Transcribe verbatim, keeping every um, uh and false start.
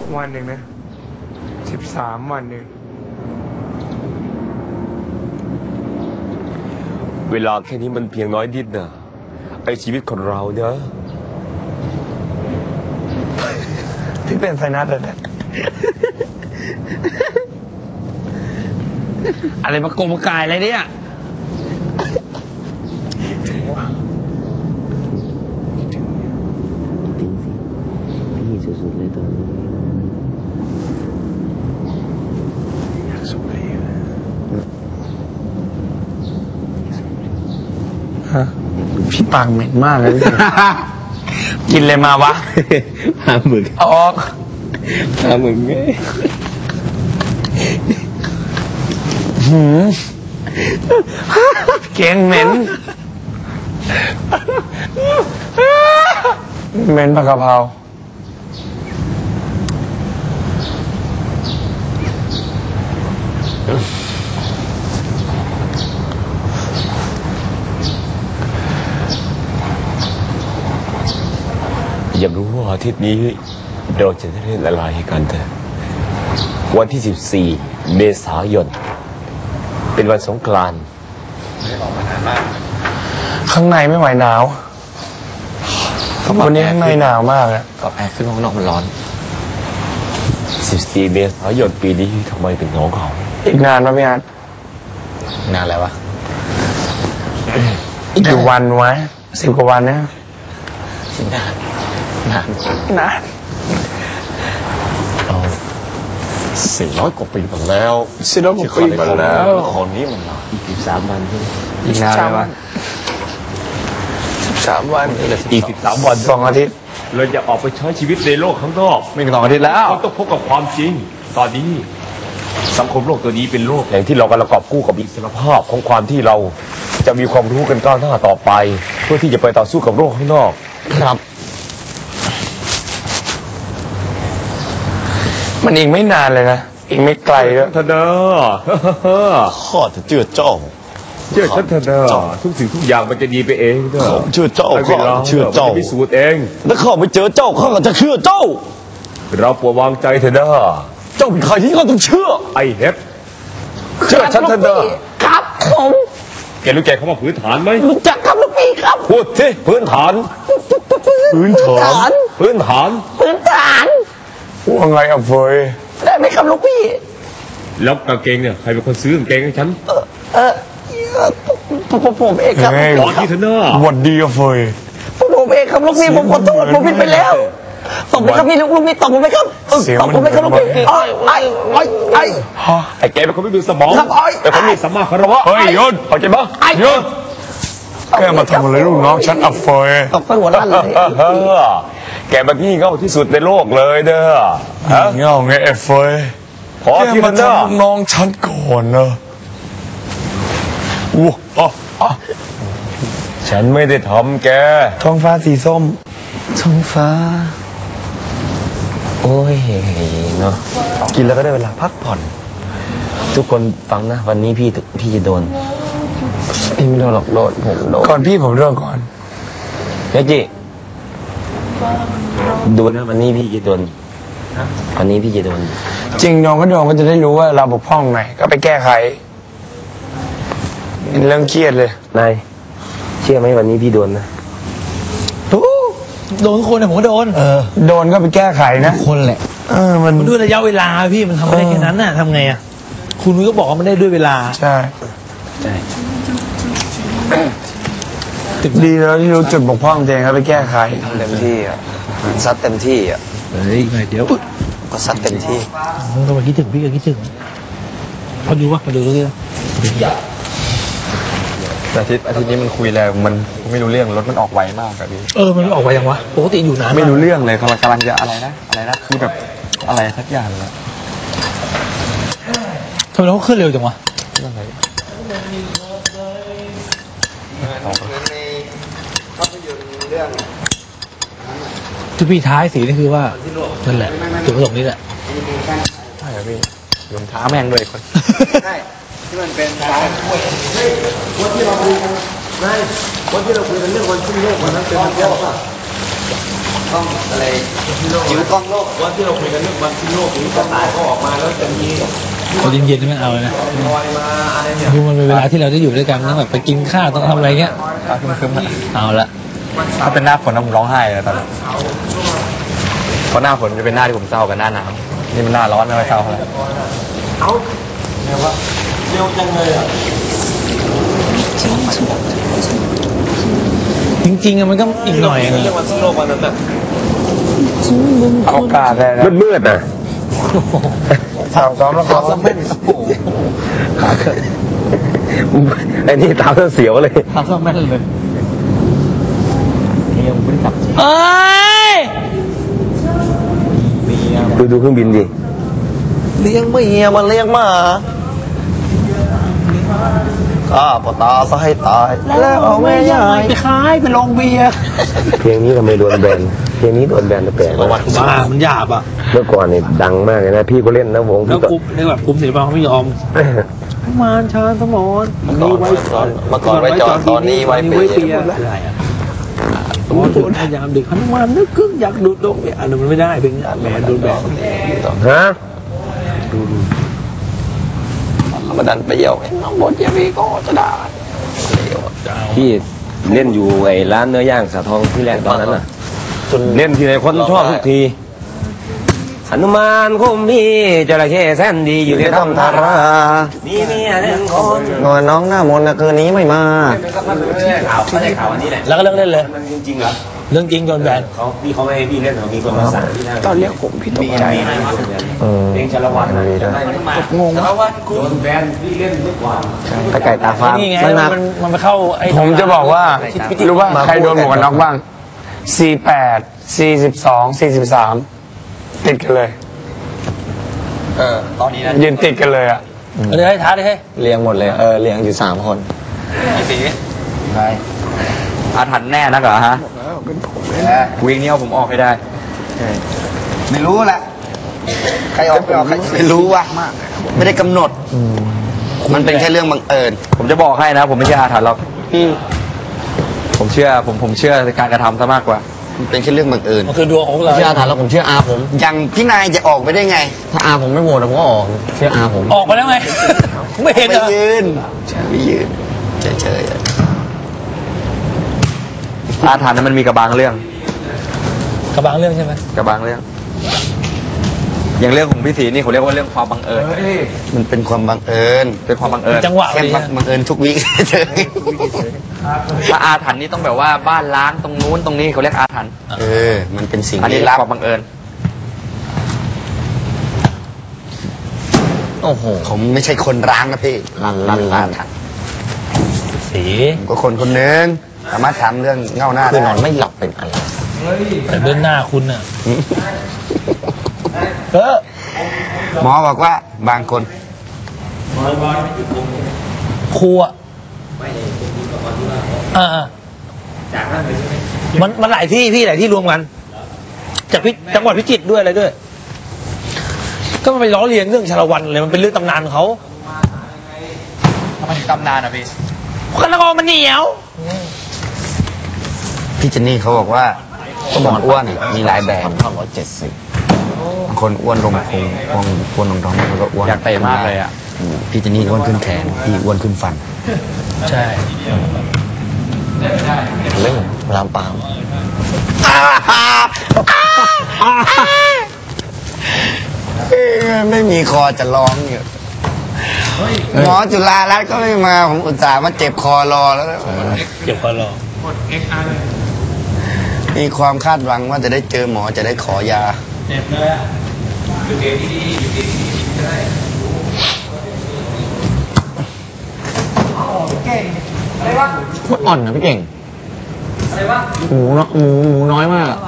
วันหนึ่งนะสิบสามวันหนึ่งเวลาแค่นี้มันเพียงน้อยนิดนะไอชีวิตคนเราเนอะพี่เป็นไซนัสเลยเนี่ยอะไรมากงมากายอะไรเนี่ยพี่สุดๆเลยตอนนี้อยากสูบอะไรฮะพี่ปากเหม็นมากเลยกินเลยมาวะปลาหมึกเอาออกปลาหมึกไงหืมเก่งเหม็นเหม็นผักกะเพราอยากรู้ว่าอาทิตย์นี้เราจะได้เล่นอะไรกันเถอะวันที่สิบสี่เมษายนเป็นวันสงกรานต์ข้างในไม่ไหวหนาววันนี้ข้างในหนาวมากอะกับแอร์ขึ้นข้างนอกมันร้อนสิบสี่เมษายนปีนี้ทำไมเป็นน้องเขาอีกนานไหมพี่อาร์ตนานแล้ววะอีกกี่วันวะสิบกว่าวันนะนานนานนานเราสี่ร้อยกว่าปีมาแล้วสี่ร้อยกว่าปีมาแล้วคนนี้มันมาอีกสิบสามวันที่อีกนานไหมวะสิบสามวันอีกสิบสามวันสองอาทิตย์เราจะออกไปใช้ชีวิตในโลกข้างนอกไม่ถึงสองอาทิตย์แล้วเราต้องพบกับความจริงตอนนี้สังคมโลกตัวนี้เป็นโลกแห่งที่เรากำลังกอบกู้กับอิสรภาพของความที่เราจะมีความรู้กันก้าวหน้าต่อไปเพื่อที่จะไปต่อสู้กับโลกข้างนอกครับมันอีกไม่นานเลยนะอีกไม่ไกลแล้วท่านเด้อข้าจะเชื่อเจ้าเชื่อท่านเด้อทุกสิ่งทุกอย่างมันจะดีไปเองเด้อเชื่อเจ้าข้าเชื่อเจ้าพิสูจน์เองถ้าข้าไม่เจอเจ้าข้าจะเชื่อเจ้าเราปวดวางใจเถอะเด้อเจ้าเป็นใครที่ข้าต้องเชื่อไอเฮ็ดเชื่อฉันท่านเด้อครับผมแกรู้แกเขามาพื้นฐานไหมรู้จักครับลูกพี่ครับพูดสิพื้นฐานพื้นฐานพื้นฐานพื้นฐานว่าไงอ่ะเฟยได้ไหมครับลูกพี่แล้วกางเกงเนี่ยใครเป็นคนซื้อกางเกงให้ฉันเออเออผมผมเองครับขอที่เถอะนะวันดีอ่ะเฟยผมเองครับลูกพี่ผมขอโทษผมผิดไปแล้วตบไปครับพี่ลูกลูกพี่ตบผมไปครับตบผมไปครับลูกพี่ไอ้ไอ้ไอ้ไอ้ไอ้แกเป็นคนไม่มีสมองเป็นคนมีสมาคารวะเฮ้ยยนเข้าใจปะยนแกมาทำอะไรลูกน้องฉันอับเฟยตบไปหัวล้านเลยแกมาพี่เง่าที่สุดในโลกเลยเด้อเง่าไงเอฟเฟยพอที่มันเด้อน้องฉันก่อนเนอะว้าฉันไม่ได้ทำแกท้องฟ้าสีส้มท้องฟ้าโอ้ยเนาะกินแล้วก็ได้เวลาพักผ่อนทุกคนฟังนะวันนี้พี่พี่จะโดนพี่ไม่โดนหรอกโดนผมโดนก่อนพี่ผมโดนก่อนเฮ้ยจิดูนะวันนี้พี่จะโดนวันนี้พี่จะโดนจริงน้องก็โดนก็จะได้รู้ว่าเราบกพร่องไหนก็ไปแก้ไขเป็นเรื่องเครียดเลยนายเชื่อไหมวันนี้พี่โดนนะโดนคนเนี่ยผมก็โดนเออโดนก็ไปแก้ไขนะคนแหละเออมันด้วยระยะเวลาพี่มันทำไม่ได้แค่นั้นน่ะทำไงอ่ะคุณก็บอกว่ามันได้ด้วยเวลาใช่ใช่ดีแล้วที่รู้จุดบกพร่องตัวเองแล้วไปแก้ไขทำเต็มที่อ่ะซัดเต็มที่อ่ะเฮ้ยไงเดี๋ยวก็ซัดเต็มที่ต้องมาคิดถึงพี่ก็คิดถึงพอดูวะมาดูด้วยอาทิตย์อาทิตย์นี้มันคุยแล้วมันไม่รู้เรื่องรถมันออกไวมากแบบนี้เออมันออกไวยังวะปกติอยู่นานไม่รู้เรื่องเลยกำลังกำลังจะอะไรนะอะไรนะคือแบบอะไรสักอย่างเลยทำไมเขาขึ้นเร็วจังวะจุดปีท้ายสีนี่คือว่านั่นแหละจุดประสงค์นี้แหละใช่ครับพี่ยมท้าแม่งเลยคนใช่ที่มันเป็นร้านกล้วยเฮ้ยวันที่เราคุยกันไม่วันที่เราคุยกันเรื่องวันขึ้นโลกวันนั้นเป็นวันแรกป่ะล้องอะไรจิ๋วกล้องโลกว่าที่เราคุยกันเรื่องวันที่โลกนี้จะตายก็ออกมาแล้วจะมีพอเย็นๆไม่เอาเลยนะลอยมาอะไรเนี่ยคือมันเป็นเวลาที่เราได้อยู่ด้วยกันต้องแบบไปกินข้าวต้องทำอะไรเงี้ยคึมเอาละๆถ้าเป็นหน้าฝนผมร้องไห้เลยตอนนั้นเพราะหน้าฝนจะเป็นหน้าที่ผมเศร้ากับหน้าหนาวนี่มันหน้าร้อนไม่ค่อยเศร้าเท่าไหร่เอาเร็วว่าเร็วจังเลยอ่ะจริงๆอะมันก็อีกหน่อยอะเรื่องวันที่โลกวันนั้นแบบเอาโอกาสเลยนะมืดๆนะซ้อมซ้อมแล้วซ้อมแล้วไม่ขาเกิดไอ้นี่ตามเสียวเลยทำซ่อมแม่นเลยเอ้ยดูดูเครื่องบินดิเลี้ยงเมียมันเลี้ยงหมาข้าปตาซะให้ตายแล้วเอาแม่ยายไปขายไปลงเบียร์เพลงนี้ทำไมโดนแบนเพลงนี้โดนแบนแต่แปลกประวัติบ้ามันหยาบอ่ะเมื่อก่อนเนี่ยดังมากเลยนะพี่ก็เล่นนะวงแล้พี่วก็กลุ่มในแบบกลุ่มศิลปะเขาไม่ยอมมารชาญสมรเมื่อก่อนไว้จอดเมื่อก่อนไว้จอดตอนนี้ไว้เปียอะไรอ่ะสมมติพยายามเด็กหนุมานนึกกึ่งอยากดูดดงเนี่ยอันนั้นมันไม่ได้เป็นแบนโดนแบนฮะมาดันไปเยี่ยวน้องบดเยี่ยมีก็จะด่าพี่เล่นอยู่ไอ้ร้านเนื้อย่างสาทองที่แรกตอนนั้นน่ะเล่นทีไรคนชอบทุกทีหนุมานคมพี่จระเข้แสนดีอยู่ในถ้ำทารามีเมียหนึ่งคนนอนน้องหน้ามนต์นะคืนนี้ไม่มาข่าวเขาได้ข่าววันนี้แหละแล้วก็เลิกเล่นเลยมันจริงๆเหรอเรื่องจริงโดนแบนเขาพี่เขาไม่ให้พี่เล่นเขามีคนมาสั่งพี่นะตอนเรียกผมพี่ตกใจเพลงชาละวันงงชาละวันโดนแบนพี่เล่นเมื่อก่อนตะไก่ตาฟ้านี่ไงไม่มามันมันไปเข้าไอ้ผมจะบอกว่ารู้ว่าใครโดนหมวกกันน็อกบ้าง สี่แปด สี่สิบสอง สี่สิบสาม ติดกันเลยเออตอนนี้นะยืนติดกันเลยอ่ะเอาเลยให้ท้าเลยให้เลี้ยงหมดเลยเออเลี้ยงอยู่สามคนพี่สีใช่อาถรรพ์แน่นักเหรอฮะวิ่งนี้เอาผมออกให้ได้ไม่รู้แหละใครออกไม่ออกใครไม่รู้ว่ะไม่ได้กำหนดมันเป็นแค่เรื่องบังเอิญผมจะบอกให้นะ ผมไม่เชื่ออาถรรพ์หรอกผมเชื่อผมผมเชื่อในการกระทำซะมากกว่ามันเป็นแค่เรื่องบังเอิญมันคือดวงของเราเชื่ออาถรรพ์แล้วผมเชื่ออาผมยังพี่นายจะออกไปได้ไง ถ้าอาผมไม่โหวตผมก็ออกเชื่ออาผมออกไปแล้วไง ไม่เห็นเหรไม่อยืนไม่ยืนเฉยๆอาถรรพ์นั้นมันมีกระบางเรื่องกระบังเรื่องใช่ไหมกระบางเรื่อง อย่างเรื่องของพี่ศรีนี่เขาเรียกว่าเรื่องความบังเอิญมันเป็นความบังเอิญเป็นความบังเอิญจังหวะแค่ดีบังเอิญทุกวิเฉยถ้าอาถรรพ์นี่ต้องแบบว่าบ้านล้างตรงนู้นตรงนี้เขาเรียกอาถรรพ์เออ มันเป็นสิ่งอันนี้ความบังเอิญโอ้โหผมไม่ใช่คนร้างนะพี่ร้างร้างร้างสีผมก็คนคนหนึ่งสามารถทำเรื่องเงาหน้าได้นอนไม่หลับเป็นอะไรแต่เบื้องหน้าคุณน่ะเออหมอบอกว่าบางคนครูอ่ะอ่ามันมันหลายที่พี่หลายที่รวมกัน จากพิจังหวัดพิจิตรด้วยอะไรด้วย ก็มันไปล้อเลียนเรื่องชาละวันเลยมันเป็นเรื่องตำนานเขาทำไมตำนานอ่ะพี่กันละกอมันเหนียวพี่เจนนี่เขาบอกว่าคนอ้วนมีหลายแบบเท่าร้อยเจ็ดสิบคนอ้วนลงพุงอ้วนอ้วนลงท้องมันก็อ้วนอยากเตะมากเลยอ่ะพี่เจนนี่อ้วนขึ้นแขนพี่อ้วนขึ้นฟันใช่เรื่องรามปามไม่มีคอจะร้องอยู่หมอจุฬารัตน์ก็ไม่มาผมอุตส่าห์มาเจ็บคอรอแล้วเก็บคอรอมีความคาดหวังว่าจะได้เจอหมอจะได้ขอยามันอ่อนนะพี่เก่งหมูเนาะหมูหมูน้อยมาก